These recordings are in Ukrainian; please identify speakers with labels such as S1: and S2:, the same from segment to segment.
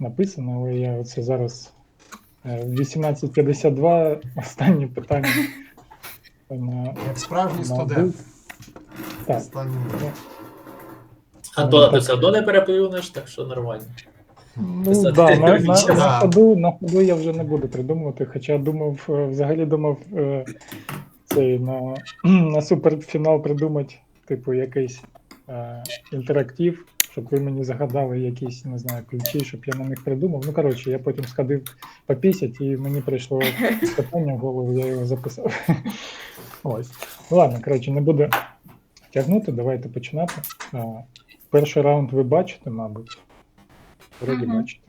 S1: написано, але я оце зараз 18:52, останнє питання.
S2: Як справжній студент.
S1: Так.
S3: Антона, ти все одно не перепливнеш, так що нормально.
S1: Ну, да, на ходу я вже не буду придумувати, хоча взагалі думав цей на суперфінал придумати, типу, якийсь інтерактив, щоб ви мені загадали якісь, не знаю, ключі, щоб я на них придумав. Ну, коротше, я потім сходив попісять, і мені прийшло питання в голову, я його записав. Ось. Ладно, коротше, не буду тягнути, давайте починати. Перший раунд ви бачите, мабуть. Вроді бачите.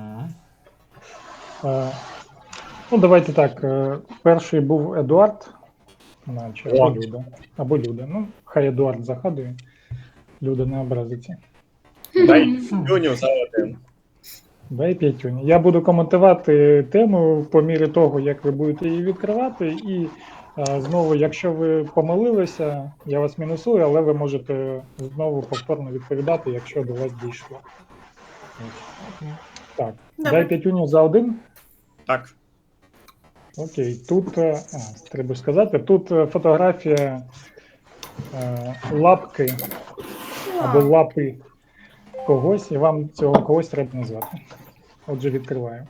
S1: Ну, давайте так. Перший був Едуард, наче, або Люда. Або Люда. Ну, хай Едуард загадує. Люда не образиться.
S4: Дай п'ятюню за один.
S1: Дай п'ятюню. Я буду коментувати тему по мірі того, як ви будете її відкривати. І знову, якщо ви помилилися, я вас мінусую, але ви можете знову повторно відповідати, якщо до вас дійшло. Так, дай п'ятюню за один.
S4: Так.
S1: Окей, тут, треба сказати, тут фотографія лапки або лапи когось, і вам цього когось треба назвати. Отже, відкриваю.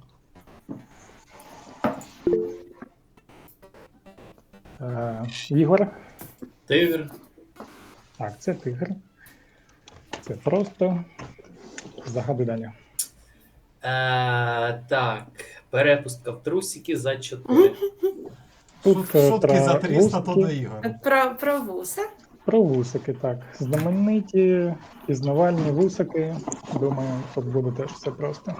S1: Ігор.
S3: Тигр.
S1: Так, це тигр. Це просто. Загадуй далі.
S3: Так, перепустка в трусики за 4.
S1: Тут
S2: Шутки за 300, то до Ігор.
S5: Про вуса?
S1: Про вусики, так. Знамениті, пізнавальні вусики. Думаю, тут буде теж все просто.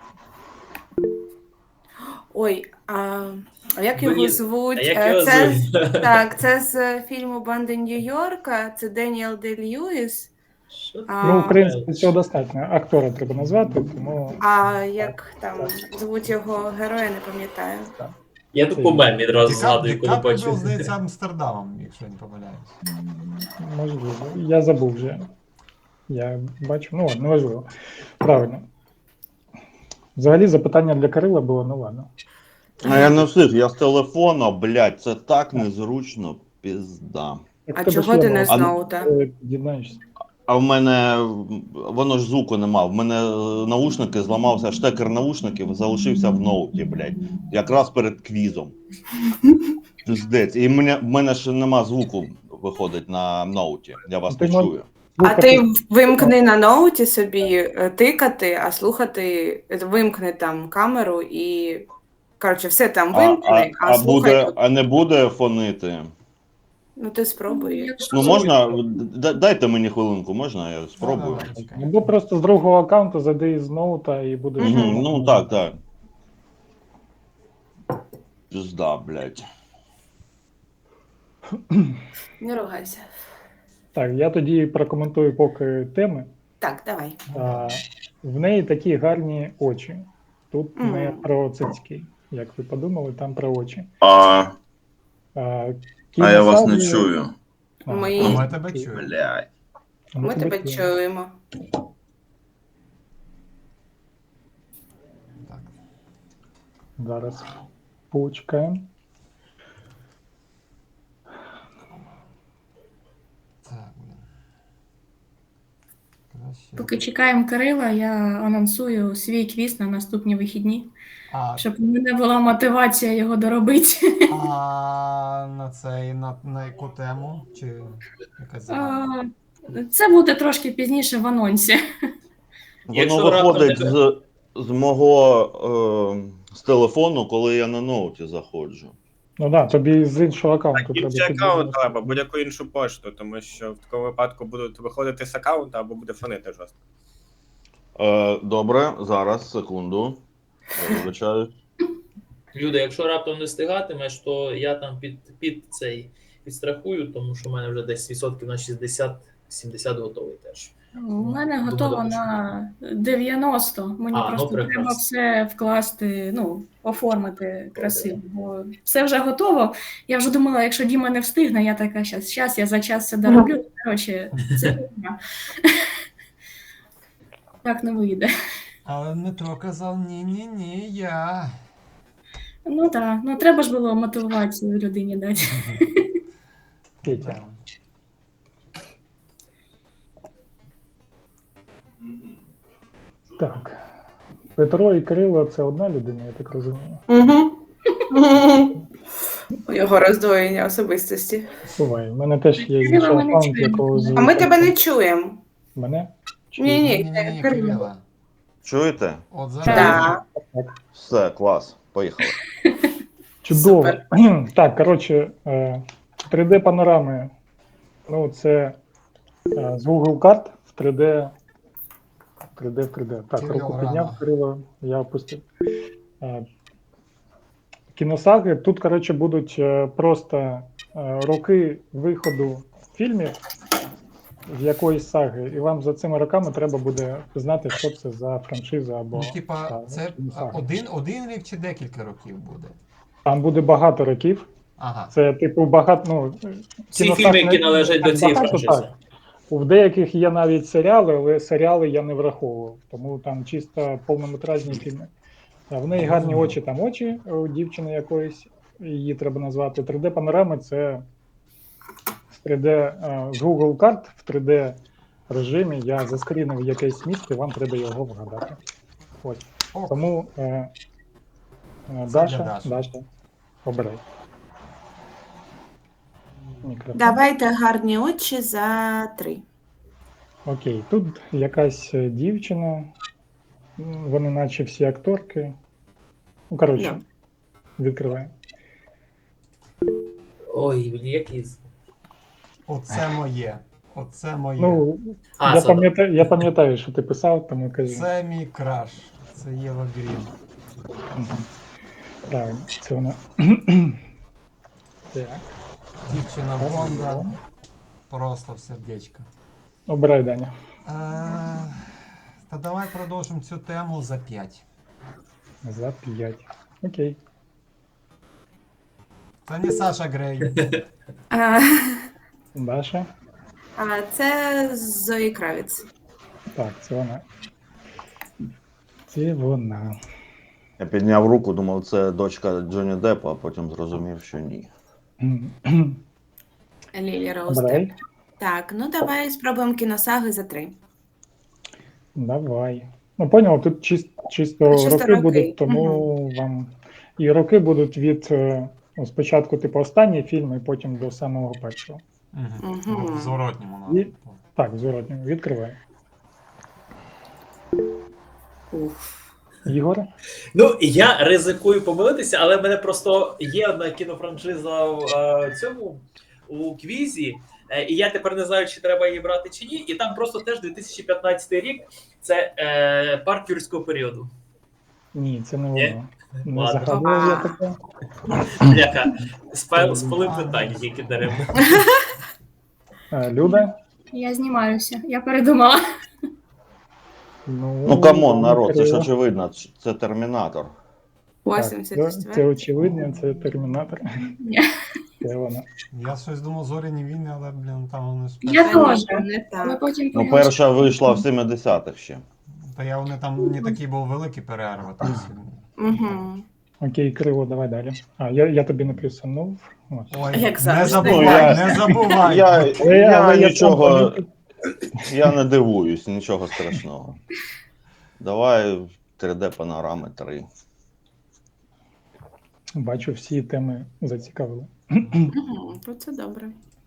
S5: Ой, а як його звуть?
S3: А як його
S5: Це,
S3: звуть?
S5: так, це з фільму «Банди Нью-Йорка», це Деніел Де-Льюіс.
S1: Ну, в принципі, цього достатньо. Актора треба назвати, тому...
S5: А як там звуть його героя, не пам'ятаю.
S3: Я тут по мемі одразу згадую, коли
S2: Дікапріо,
S3: бачу.
S2: здається, Амстердамом, якщо я не помиляюсь.
S1: Можливо. Я забув вже. Я бачу, ну ладно, неважливо. Правильно. Взагалі запитання для Кирила було, ну ладно.
S6: А я не встиг, я з телефона, блядь, це так незручно, пізда.
S5: А чого ти не з ноута?
S1: Дізнаєшся.
S6: А в мене, воно ж звуку нема, в мене наушники зламався, штекер наушників залишився в ноуті, блядь, якраз перед квізом. Пиздець, і в мене ж нема звуку, виходить, на ноуті, я вас не чую.
S5: А ти вимкни на ноуті собі тикати, а слухати, вимкни там камеру і, коротше, все там вимкни, а слухай.
S6: А не буде фонити?
S5: Ну ти спробуй.
S6: Ну можна, дайте мені хвилинку, можна, я спробую.
S1: Або просто з другого аккаунту зайди з ноута і будеш...
S6: Ну так. Пизда, блядь.
S5: Не ругайся.
S1: Так, я тоді прокоментую поки теми.
S5: Так, давай.
S1: В неї такі гарні очі. Тут не про цицьки, як ви подумали, там про очі.
S6: Я вас не чую.
S2: Ми тебе чуємо.
S6: Блядь.
S5: Ми тебе чуємо.
S2: Так.
S1: Зараз почекаємо.
S2: Так, блін. Краще.
S7: Поки чекаємо Кирила, я анонсую свій квіз на наступні вихідні, щоб у мене була мотивація його доробити.
S2: А на яку тему? Чи якась загадка?
S7: Це буде трошки пізніше в анонсі.
S6: Воно виходить з мого з телефону, коли я на ноуті заходжу.
S1: Ну так, тобі з іншого аккаунту
S4: Так, інший аккаунт треба, будь-яку іншу пошту, тому що в такому випадку будуть виходити з аккаунта або буде фонити жорстко.
S6: Добре, зараз, секунду. Вибачаю.
S3: Люда, якщо раптом не встигатимеш, то я там підстрахую, тому що в мене вже десь відсотків на 60-70 готовий теж.
S7: У мене готово на 90. Мені просто треба все вкласти, оформити красиво. Бо все вже готово. Я вже думала, якщо Діма не встигне, я така, щас я за час все дороблю. Коротше, це так не вийде.
S2: Але Дмитро казав, ні, я.
S7: Ну так, ну треба ж було мотивацію людині дати.
S1: Петя.
S2: Да.
S1: Так. Петро і Кирило це одна людина, я так розумію.
S5: Угу. У його роздвоєння особистості.
S1: Буває. У мене теж є
S7: Кирило
S1: інший
S7: ми не
S1: аккаунт,
S7: чуємо.
S1: якого звуть.
S5: А ми тебе не чуємо.
S1: Мене?
S5: Ні,
S2: Ні,
S5: Кирило.
S2: Кирила.
S6: Чуєте?
S2: От зараз.
S5: Так.
S6: Все, клас, поїхали.
S1: Чудово.
S5: Супер.
S1: Так, коротше, 3D-панорами. Ну, це з Google карт в 3D. 3D. Так,
S2: Кирило
S1: руку
S2: рано.
S1: підняв, Кирило, я опустив. Кіносаги. Тут, коротше, будуть просто роки виходу фільмів з якоїсь саги, і вам за цими роками треба буде знати, що це за франшиза або
S2: Ну, типа, це
S1: кіносага.
S2: один рік чи декілька років буде?
S1: Там буде багато років.
S2: Ага.
S1: Це, типу, багато. Ну,
S3: Всі
S1: кіносаг
S3: фільми, які
S1: не-
S3: належать
S1: так
S3: до цієї
S1: багато,
S3: франшизи.
S1: так. В деяких є навіть серіали, але серіали я не враховував, тому там чисто повнометражні фільми. В неї гарні очі, там очі у дівчини якоїсь, її треба назвати. 3D-панорами це з 3D, з Google карт в 3D режимі. Я заскрінив якесь місце, вам треба його вгадати. Ось.
S2: Ок.
S1: Тому
S2: для
S1: Даша,
S2: Даші.
S1: обирай. Мікрофон.
S5: Давайте гарні очі за 3.
S1: Окей, тут якась дівчина, вони наче всі акторки. Ну, коротше, відкриваємо.
S3: Ой, блін, який.
S2: Оце моє. Оце моє.
S1: Ну,
S3: А,
S1: я
S3: це
S1: пам'ятаю, що ти писав, тому кажи.
S2: Це мій краш. Це Єва Грін.
S1: Мгм. Так, це вона. Так,
S2: Дівчина Бонда. Просто в сердечко.
S1: обирай, Даня.
S2: Та давай продовжимо цю тему за 5.
S1: За 5. Окей.
S2: Це не Саша Грей.
S1: Даша.
S5: Це Зої Кравіц.
S1: Так, це вона. Це вона.
S6: Я підняв руку, думав, це дочка Джонні Деппа, а потім зрозумів, що ні.
S5: Лілі Роуз.
S1: Обирай.
S5: Так, ну давай спробуємо кіносаги за 3.
S1: Давай. Ну, поняв, тут чисто роки
S5: роки.
S1: будуть, тому вам. І роки будуть від спочатку, типу, останній фільм, і потім до самого першого.
S2: В зворотньому
S1: І-
S2: напрямку.
S1: Так, зворотньо. Відкривай.
S5: Уф.
S1: Ігор.
S3: Ну, я ризикую помилитися, але в мене просто є одна кінофраншиза в цьому у квізі, і я тепер не знаю, чи треба її брати чи ні. І там просто теж 2015 рік це парк юрського періоду.
S1: Ні, це не
S3: Ні?
S1: воно. Не
S3: Ладно.
S1: загадував я таке.
S3: Бляха, спалив питання, які даремно.
S1: Люда.
S7: Я знімаюся, я передумала.
S6: Ну камон, народ, це ж
S1: Кирило.
S6: очевидно, це Термінатор.
S1: Так,
S5: 84.
S1: це очевидно, це Термінатор.
S7: Ні.
S1: Це вона.
S2: Я щось думав, зоряні війни, але, блін, там вони ж.
S7: Я теж.
S5: Не
S7: Але
S5: так.
S7: потім
S6: Ну,
S7: подивилася.
S6: перша вийшла в 70-х ще.
S2: Та я вони там не такий був великий перерва. Тобто,
S5: Угу.
S1: Окей, Криво, давай далі. Я тобі не плюсанув. Ось.
S2: ой,
S5: Як
S2: не
S5: завжди.
S2: забувай, не забувай.
S6: Я
S1: Але я
S6: нічого,
S1: сам
S6: я не дивуюсь, нічого страшного. Давай 3D-панорами 3.
S1: Бачу, всі теми зацікавили.
S5: Угу. Це добре.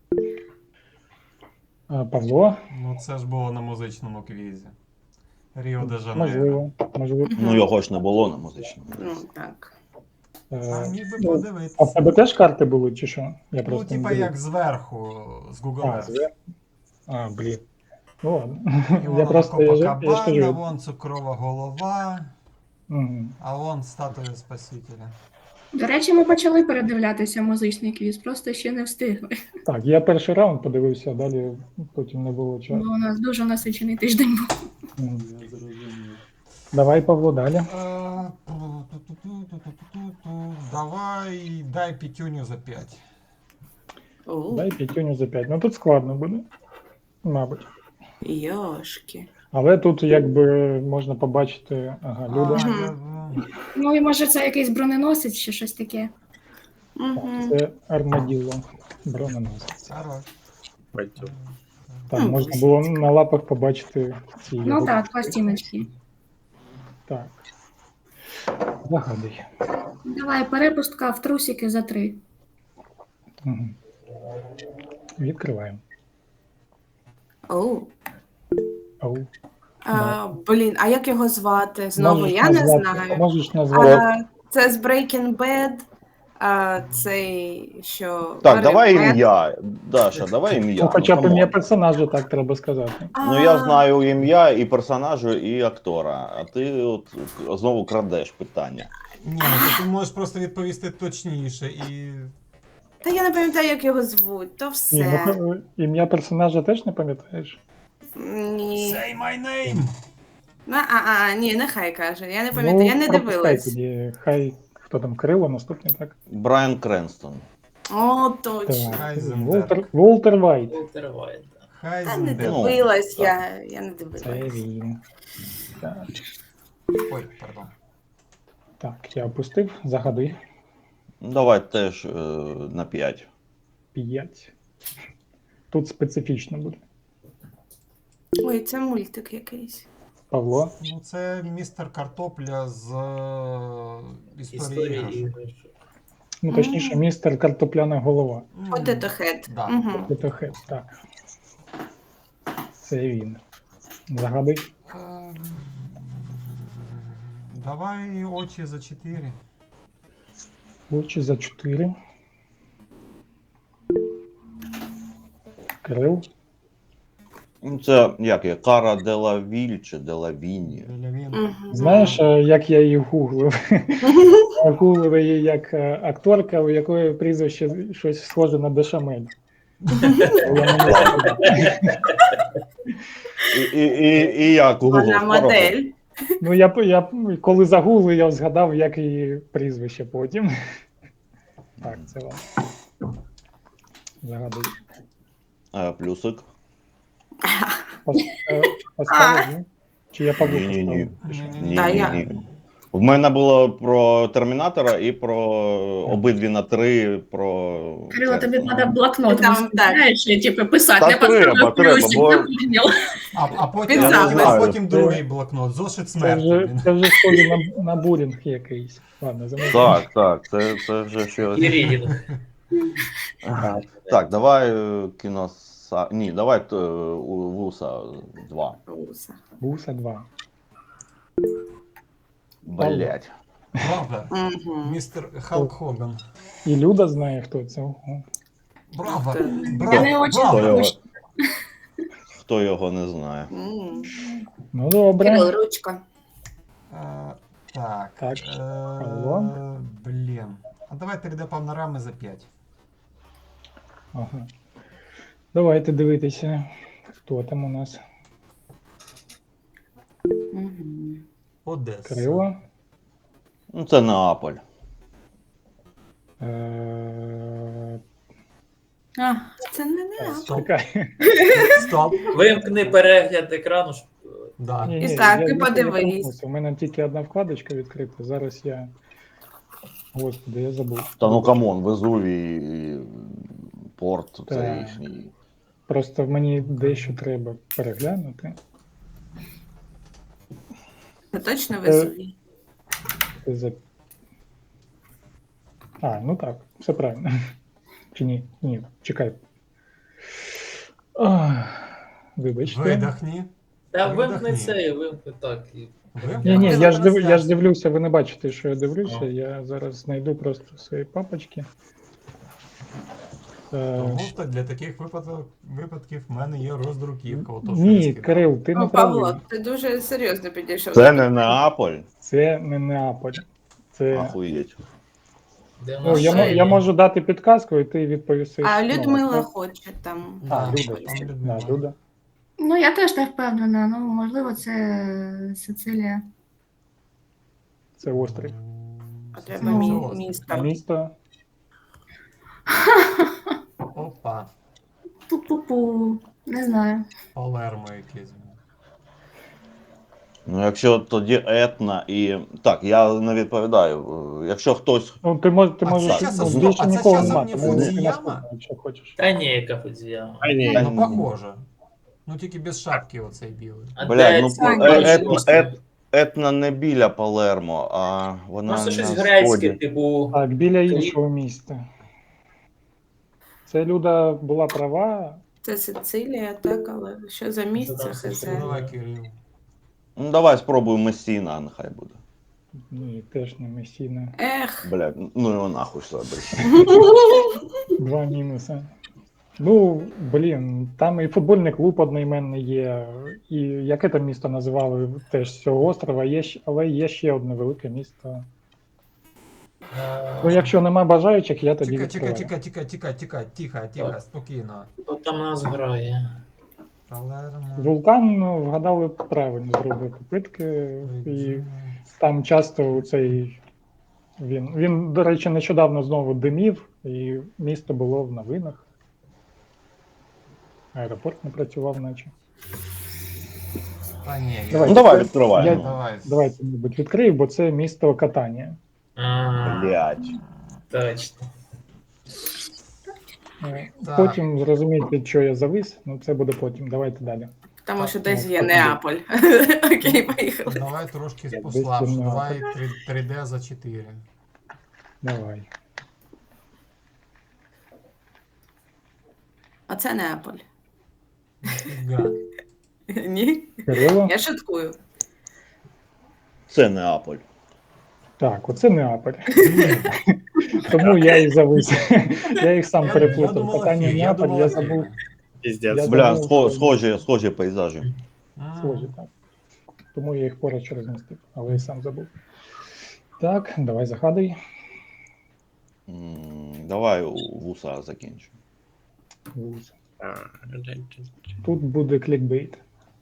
S1: Павло,
S2: Ну це ж було на музичному квізі. Ріо де Жанейро.
S1: можливо.
S6: Ну його ж не було на музичному.
S5: Ну так.
S2: А міг би
S1: Ну,
S2: подивитися.
S1: а в тебе теж карти були, чи що? Я
S2: Ну,
S1: просто не
S2: типа
S1: дивився.
S2: як зверху, з Google
S1: А,
S2: Earth.
S1: блін. Ну ладно.
S2: І
S1: Я
S2: вон
S1: просто я ж
S2: Копакабана,
S1: кажу.
S2: вон цукрова голова,
S1: Мгм.
S2: а вон статуя Спасителя.
S7: До речі, ми почали передивлятися музичний квіз, просто ще не встигли.
S1: Так, я перший раунд подивився, а далі потім не було часу.
S7: Бо у нас дуже насичений тиждень був.
S1: Мгм. Давай, Павло, далі.
S2: Давай, дай п'ятюню за 5.
S5: О,
S1: Дай п'ятюню за 5. Ну тут складно буде. Мабуть.
S5: йошки.
S1: Але тут якби можна побачити, ага, Люда.
S7: Ну і може це якийсь броненосець чи щось таке.
S5: Мгм.
S1: Це армаділо, броненосець.
S2: Хорош.
S4: Баттю.
S1: Так, можна було на лапах побачити ці
S7: Ну
S1: його
S7: так, пластиночки.
S1: Так. Загадуй.
S7: Давай, перепустка в трусики за 3.
S1: Угу. Відкриваємо.
S5: Оу.
S1: Оу.
S5: Блін, а як його звати? Знову
S1: Можеш
S5: я не
S1: назвати-
S5: знаю.
S1: Можеш назвати.
S5: Це з Breaking Bad. Цей, що...
S6: Так, давай
S5: Бет.
S6: ім'я. Даша, давай ім'я.
S1: Ну, хоча б
S6: камон.
S1: ім'я персонажа, так треба сказати.
S6: Ну я знаю ім'я і персонажа, і актора, а ти от знову крадеш питання.
S2: Ні, ну ти можеш просто відповісти точніше і.
S5: Та я не пам'ятаю, як його звуть, то
S1: Ні,
S5: все.
S1: ну, ім'я персонажа теж не пам'ятаєш?
S5: Ні.
S2: Say my name!
S5: Ні, нехай каже. Я не пам'ятаю, я не
S1: пропускай
S5: дивилась.
S1: Тоді. Хай, хто там, Крило, наступний, так?
S6: Брайан Кренстон.
S5: О, точно.
S1: Так.
S2: Хайзенберг.
S1: Волтер Вайт.
S3: Волтер Вайт, да.
S5: Та не
S2: Хайзенберг.
S5: дивилась
S6: так.
S5: я не
S1: Це
S5: дивилась.
S1: він. Так.
S2: Ой, пардон.
S1: Так, я опустив. Загадуй.
S6: Давай теж на 5.
S1: 5. Тут специфічно буде.
S5: Ой, це мультик якийсь.
S1: Павло.
S2: Ну, це містер Картопля з історії
S3: Історії
S2: іграшок.
S3: іграшок.
S1: Ну, точніше, містер Картопляна голова.
S5: Potato Head.
S2: Да.
S5: Мгм.
S1: Це хет, так. Це він. Загадуй.
S2: Давай очі за 4.
S1: Очі за 4. Крил.
S6: Ну, це як є? Кара Делавіль чи Делавіні.
S5: Мгм.
S1: Знаєш, як я її гуглив? Я гуглив її як акторка, у якої прізвище щось схоже на Бешамель. Я не знаю.
S6: І як у
S5: Вона
S6: Google
S5: модель.
S1: Ну, я коли загуглив, я згадав, як її прізвище потім. Так, це вам. Загадуй.
S6: Плюсик.
S1: Поставив, ні? Чи я Павлу
S6: Ні-ні-ні.
S1: поставив?
S6: Ні,
S5: Та
S6: ні,
S5: я-
S6: ні. В мене було про Термінатора і про обидві на 3 про.
S7: Крило, тобі
S6: Кренстона.
S7: треба блокнот
S5: Там,
S7: виставляєш, і типу писати,
S6: Та
S7: не поставив
S6: треба,
S7: плюсик,
S6: бо-
S7: не прийняв.
S2: А потім,
S5: Він сам.
S2: а потім другий блокнот. Зошит
S1: Це
S2: смерті.
S1: вже схоже на булінг якийсь. Ладно, замовляю.
S6: Так, це вже щось.
S3: І рідінг.
S6: Так, давай кіноса. Ні, давай Вуса 2.
S5: Уса.
S1: Буса 2.
S6: Блять.
S2: Правда.
S5: Мгм.
S2: Містер Халк Хоган.
S1: І Люда знає, хто це. Ого.
S2: Браво!
S5: Ти-
S7: Я не очень
S6: Хто
S2: Браво!
S6: його,
S7: хочу.
S6: хто його не знає?
S5: М.
S1: Ну, добре.
S5: Кирил, ручка.
S2: Так.
S1: Так, Павло.
S2: Блін. А давай 3D панорами за 5.
S1: Ага. Давайте дивитися, хто там у нас.
S5: Мгм.
S2: Одеса.
S1: Крило.
S6: Ну, це Неаполь.
S5: Це не я.
S2: Стоп.
S1: Чекай.
S2: Стоп.
S3: Вимкни перегляд екрану.
S2: Да.
S1: Ні,
S5: І
S1: ні,
S5: так,
S1: я-
S5: ти
S1: я
S5: подивись.
S1: помилився. У мене тільки одна вкладочка відкрита. Зараз я. Господи, я забув.
S6: Та ну камон, Везувій, порт, це
S1: Так.
S6: їхній.
S1: Просто мені дещо треба переглянути.
S5: Це точно Везувій?
S1: Це за... ну так, все правильно. Чи ні? Ні, чекай. Вибачте.
S2: Видохні.
S3: Та
S2: Видохні.
S3: вимкни це, вимкни так. І...
S1: Ні, ні,
S2: Вимкни
S1: я ж
S2: трансляцію.
S1: дивлюся, ви не бачите, що я дивлюся.
S2: О.
S1: Я зараз знайду просто свої папочки.
S2: Тому що для таких випадків в мене є роздруківка. Ото, що я
S1: Ні,
S2: скидав.
S1: Кирил, ти не
S5: Ну, Павло,
S1: правий.
S5: ти дуже серйозно підійшов.
S6: Це не Неаполь.
S1: Це не Неаполь. Це...
S6: Ахуєть.
S3: Де в
S1: Ну,
S3: нас ще
S1: я
S3: є?
S1: можу дати підказку, і ти відповісти.
S5: А
S1: ну,
S5: Людмила
S1: так?
S5: хоче там.
S1: А,
S2: Да,
S1: Люда.
S2: там
S1: Да,
S2: Людмила.
S1: Люда.
S7: Ну, я теж не впевнена. Ну, можливо, це Сицилія.
S1: Це острів.
S5: А треба
S2: Це острів.
S5: місто.
S1: Місто.
S2: Опа.
S7: Пу-пу-пу. Не знаю.
S2: Палермо якесь.
S6: Ну, якщо тоді етна і. Так, я не відповідаю. Якщо хтось.
S1: Ну, ти
S2: А
S1: можеш
S2: це
S1: ну,
S2: часом-
S1: більше
S2: а це
S1: нікого
S2: часом
S1: нема,
S2: не
S1: тому ти
S2: Фудзіяма?
S1: наступний, якщо хочеш.
S3: Та ні, яка Фудзіяма.
S4: А ні.
S2: Ну, похоже. Ну, тільки без шапки оцей білий.
S3: А
S6: Блядь,
S3: де
S6: ну
S3: ці
S5: Саня,
S3: бачки?
S6: етна не біля Палермо, а вона
S3: Може щось
S6: на
S3: грецьке,
S6: сході.
S3: типу.
S1: Так, біля іншого міста. Це Люда була права.
S5: Це Сицилія, так, але що за місце
S3: там
S5: хз.
S3: Сицилія?
S2: Давай, Кирил.
S6: Ну, давай спробуємо Месіна, нехай буде.
S1: Ні, теж не Месіна.
S5: Ех.
S6: Блядь, ну його нахуй собі.
S1: 2 мінуси. Ну, блін, там і футбольний клуб одноіменний є, і яке там місто називали теж з цього острова, але є ще одне велике місто. Ну, якщо нема бажаючих, я тоді відкриваю.
S2: Тихо, спокійно.
S3: Хто там нас грає?
S2: Палермо.
S1: Вулкан, ну, вгадали правильно, зробив попитки, і там часто цей він, до речі, нещодавно знову димів, і місто було в новинах. Аеропорт не працював, наче.
S2: Та ні,
S1: Давай.
S6: Ну давай відкриваємо.
S2: Давай.
S1: Давайте, мабуть, відкрию, бо це місто Катанія.
S6: Блядь.
S3: Точно.
S2: Так.
S1: Потім зрозумієте, що я завис, ну це буде потім. Давайте далі.
S5: Тому що
S1: Так,
S5: десь
S1: ну,
S5: є
S1: так,
S5: Неаполь. Окей, поїхали.
S2: Давай трошки
S1: Я
S2: послабше.
S1: десь
S2: Давай 3D за 4.
S1: Давай.
S5: А це Неаполь.
S2: Фіга.
S5: Ні?
S1: Кирило?
S5: Я шуткую.
S6: Це Неаполь.
S1: Так, оце Неаполь. Тому я і завис. Я їх сам
S2: Я
S1: переплутав.
S2: думала,
S1: Питання
S2: Фіг, я
S1: Неаполь,
S2: думала,
S1: я
S2: Фіг.
S1: забув.
S4: Піздець.
S1: Я
S6: Бля,
S1: забув,
S6: схожі пейзажі.
S1: Схожі, так. Тому я їх поруч розмістив, але і сам забув. Так, давай загадуй.
S6: Давай у вуса закінчу.
S1: Вуз.
S4: А,
S1: Тут буде клікбейт.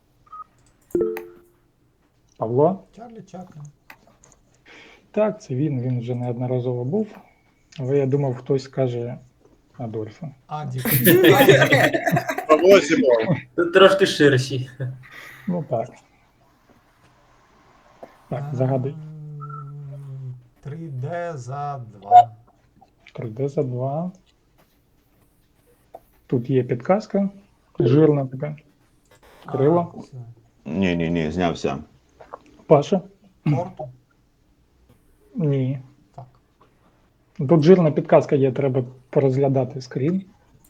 S1: Павло?
S2: Чарлі Чаплін.
S1: Так, це він вже неодноразово був. Але я думав, хтось скаже Адольфа.
S2: Адік.
S4: Павло Зімов.
S3: Тут трошки ширші.
S1: Ну так. Так, загадуй.
S2: 3D за 2.
S1: 3D за 2. Тут є підказка. Жирна така. Кирило?
S6: Ні, знявся.
S1: Паша?
S2: Порту.
S1: Ні.
S2: Так.
S1: Тут жирна підказка є, треба порозглядати скрін.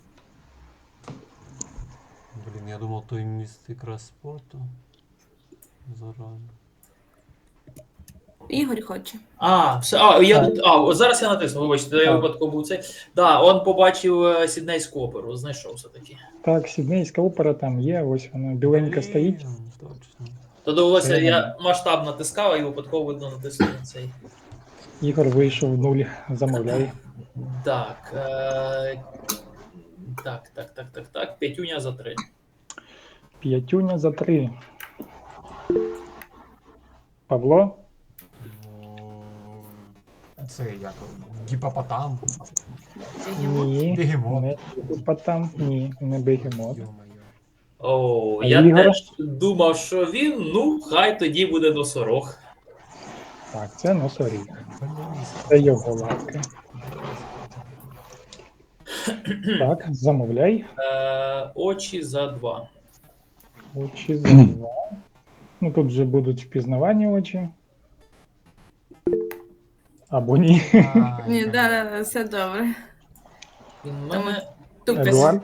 S2: Блін, я думав, той міст якраз спорту. Зарані.
S5: Ігор хоче.
S3: Зараз я натиснув, вибачте, я
S1: Так.
S3: випадково був цей. Да, он побачив Сіднейську оперу, знайшов все-таки.
S1: Так, Сіднейська опера там є, ось вона біленька стоїть.
S2: Блін, Точно.
S3: То довелося,
S1: Це-
S3: я масштаб натискав і випадково видно натиснув на цей.
S1: Ігор вийшов 0, замовляй.
S3: Так. Так. П'ятюня за 3.
S1: П'ятюня за 3. Павло?
S2: Ну, це як гіпопотам.
S1: Ні.
S2: Бегемот.
S1: Не гіпопотам. Ні, не бегемот.
S2: Йо-моє.
S3: О,
S1: А
S3: я
S1: Ігор?
S3: теж думав, що він, ну, хай тоді буде носорог.
S1: Так, це носоріг.
S2: Блін.
S1: Це його лапки. Так, замовляй.
S3: Очі за 2.
S1: Очі за 2. Ну тут вже будуть впізнавані очі. Або ні.
S2: Ай,
S5: Ні,
S2: блін.
S5: да, все добре.
S3: Він в мене
S5: Тупець.
S1: Едуард?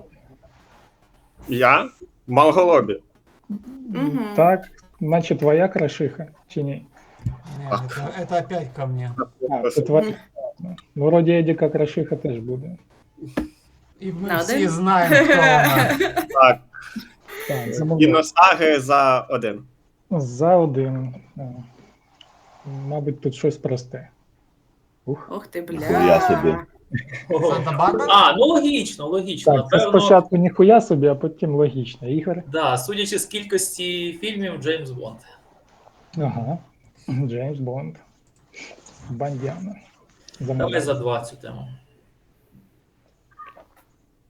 S4: Я? Малголобі.
S5: Мгм.
S1: Так, наче твоя крашиха, чи ні?
S2: Ні, це опять ко мне.
S1: А, це твоя. Ну, вроді Едіка крашиха теж буде.
S2: І ми
S5: На
S2: всі
S5: один?
S2: знаємо, хто вона.
S4: Так,
S1: Так, замовляй.
S4: кіносаги за 1.
S1: За 1. Мабуть, тут щось просте.
S5: Ох ти,
S6: Ніхуя
S5: бля.
S6: собі.
S2: Санта-Барбара?
S3: Ну логічно.
S1: Так, це
S3: Напевно,
S1: спочатку ніхуя собі, а потім логічно. Ігор?
S3: да, судячи з кількості фільмів, Джеймс Бонд.
S1: Ага. Джеймс Бонд. Бандяна. Замовляй.
S3: Давай за 2 цю тему.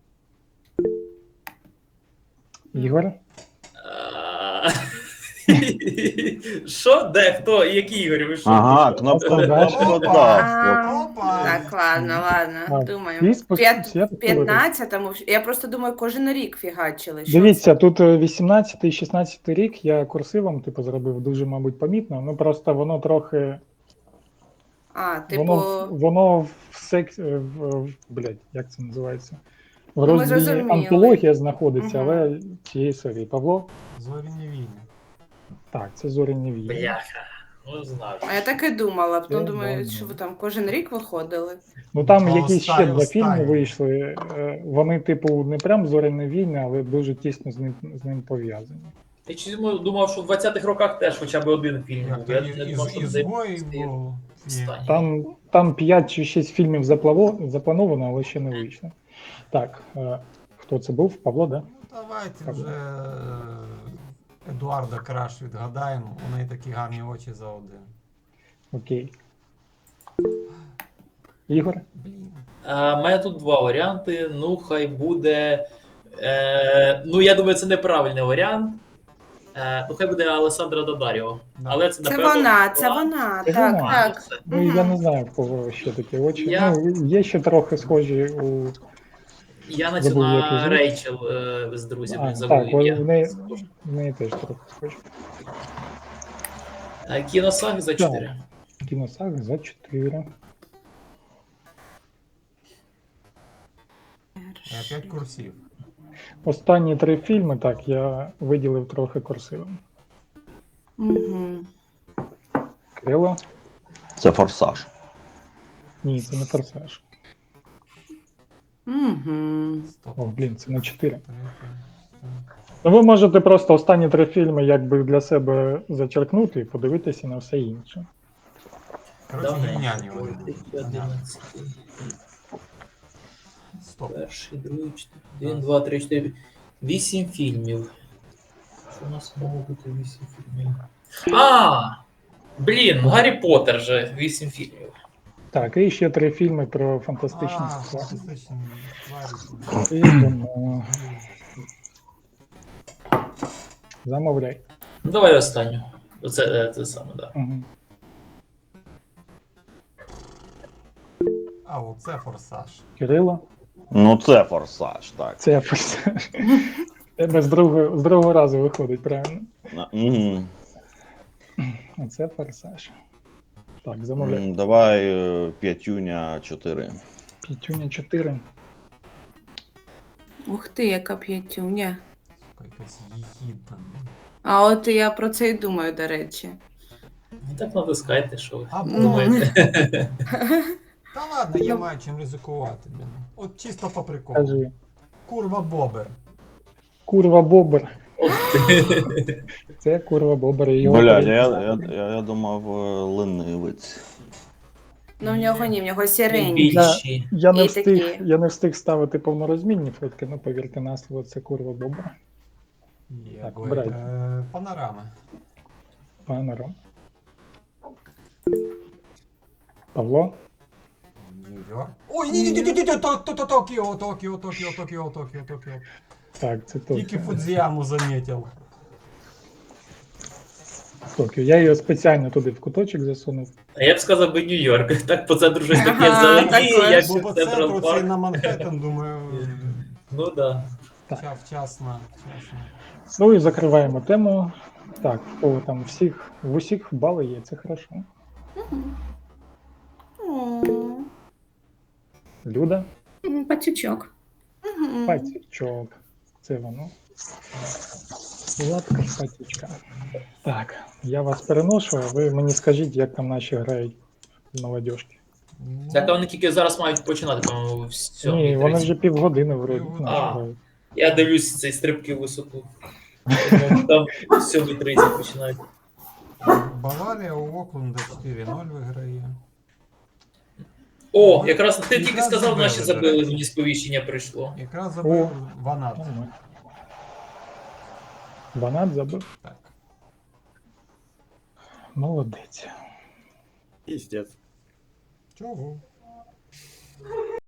S1: Ігор?
S3: Що? Де? Хто? Який Ігор? Ви що?
S6: Ага,
S3: Ти що?
S6: кнопка
S1: Опа.
S6: да.
S2: Опа.
S5: Так, ладно, ладно,
S1: А,
S5: думаю.
S1: всі всі повторили?
S5: 15-му, я просто думаю, кожен рік фігачили. Що
S1: Дивіться, тут 18 і 16 рік я курсивом, типу, зробив дуже, мабуть, помітно. Ну просто воно трохи.
S5: А, типу,
S1: Воно в блядь, як це називається? В
S5: ми
S1: розділі
S5: зрозуміли.
S1: антологія знаходиться,
S5: Мгм.
S1: але цієї серії. Павло?
S2: Зоряні війни.
S1: Так, це зоряні війни.
S3: Бляха. Ну, знаю.
S5: а я так і думала, потім
S1: Це
S5: думаю,
S1: ладно.
S5: що ви там кожен рік виходили.
S1: Ну там
S2: Ну,
S1: якісь ще
S2: останні-
S1: два фільми
S2: останні.
S1: вийшли. Вони, типу, не прям зоряні війни, але дуже тісно з ним пов'язані.
S3: Я чомусь думав, що в 20-х роках теж хоча б один фільм
S2: Як
S3: був.
S2: то
S3: Я не думав, що це
S2: ізгой був.
S3: останній.
S1: Там 5 чи 6 фільмів заплановано, але ще не вийшло. Так, хто це був? Павло, да?
S2: Давайте вже Едуарда Краш відгадаємо. У неї такі гарні очі за один.
S1: Окей. Ігор?
S2: Блін.
S3: У мене тут два варіанти. Ну, хай буде. Ну, я думаю, це неправильний варіант. Ну, хай буде Алесандра Додаріо.
S2: Да.
S3: Але це,
S5: Це
S3: напевно,
S5: вона,
S1: Це
S5: так,
S1: вона.
S5: так.
S1: Ну, я не знаю, в кого ще такі очі.
S3: Я-
S1: Ну, є ще трохи схожі у.
S3: Я на цю
S1: Забув, як її
S3: на
S1: звуть.
S3: Рейчел з друзів
S1: Так,
S3: забув ім'я.
S1: в неї теж трохи схожі.
S3: Кіносаг за 4.
S1: Кіносаг за 4.
S2: Опять курсів.
S1: Останні 3 фільми, так, я виділив трохи курсивом.
S5: Угу.
S1: Кирило?
S6: Це форсаж.
S1: Ні, це не форсаж.
S5: Угу.
S2: Стоп.
S1: О, блін, це на 4.
S2: Третє.
S1: Ну, ви можете просто останні 3 фільми якби для себе зачеркнути і подивитися на все інше.
S2: Коротше, гімняні вони. будуть.
S3: 2011.
S2: Стоп.
S3: Перший, другий, 1, 2, 3, 4. 8 фільмів. Що у нас могло бути 8 фільмів? Блін, Гаррі Поттер же 8 фільмів.
S1: Так, і ще 3 фільми про фантастичні
S2: А,
S1: тварі.
S2: фантастичні тварі.
S1: Ідемо. Замовляй.
S3: Ну, давай останню. Це саме, так.
S1: Угу.
S2: А, оце форсаж.
S1: Кирило?
S6: Ну це форсаж, так.
S1: Це форсаж. Тебе з другого разу виходить, правильно?
S6: Угу.
S1: Оце форсаж. Так, замовляй.
S6: Давай п'ятюня 4.
S1: П'ятюня 4.
S5: Ух ти, яка п'ятюня.
S2: Якась їхідна.
S5: А от я про це і думаю, до речі.
S3: Ну, так натискайте, що ви
S2: А,
S3: думаєте.
S2: Та ладно, я маю чим ризикувати, блін. От чисто по приколу.
S1: Кажи.
S2: Курва Бобер.
S1: Курва Бобер.
S3: Ох ти.
S1: Це курва Бобер. і його
S6: Блядь,
S1: перед-
S6: я думав ленивець.
S5: Ну, в нього ні, в нього сіренький.
S3: Більші.
S1: Я не
S5: І
S1: встиг,
S5: такі.
S1: я не встиг ставити повнорозмінні фотки, ну повірте на слово, це курва Бобер.
S2: Є,
S1: Так,
S2: ой,
S1: брать.
S2: Панорама.
S1: Панором. Павло?
S2: Нью-Йорк. Ой, ні, Токіо.
S1: Так, це
S2: Тільки
S1: Токіо.
S2: Фудзіяму замітив.
S1: Токіо. Я його спеціально туди в куточок засунув.
S3: А я б сказав би Нью-Йорк. Так по центру щось таке
S5: Ага,
S3: зелені,
S5: такое.
S3: як
S2: Бо по
S3: Централ
S2: центру це
S3: Парк.
S2: на Манхеттен, думаю,
S3: Ну да.
S2: вчасно.
S1: Ну і закриваємо тему. Так, в кого там в усіх бали є, це хорошо. Люда?
S7: Пацючок.
S1: Патічок. Це воно. Сладка патічка. Так, я вас переношу, а ви мені скажіть, як там наші грають в молодіжки.
S3: Так а вони тільки зараз мають починати, по-моєму, в
S1: Ні, вони
S3: 7:30.
S1: вже півгодини вроді
S2: Півгодини.
S1: наші
S3: А.
S1: грають.
S3: Я дивлюсь цей стрибки в висоту. Там 7:30 починають.
S2: Баварія у Окленда 4-0 виграє.
S3: О, якраз ти тільки
S2: Якраз
S3: сказав,
S2: забили,
S3: наші
S2: до
S3: забили,
S2: речі.
S3: мені сповіщення прийшло.
S2: Якраз забив Ванат.
S1: Нормально. Банат забив.
S2: Так.
S1: Молодець.
S4: Піздець.
S2: Чого?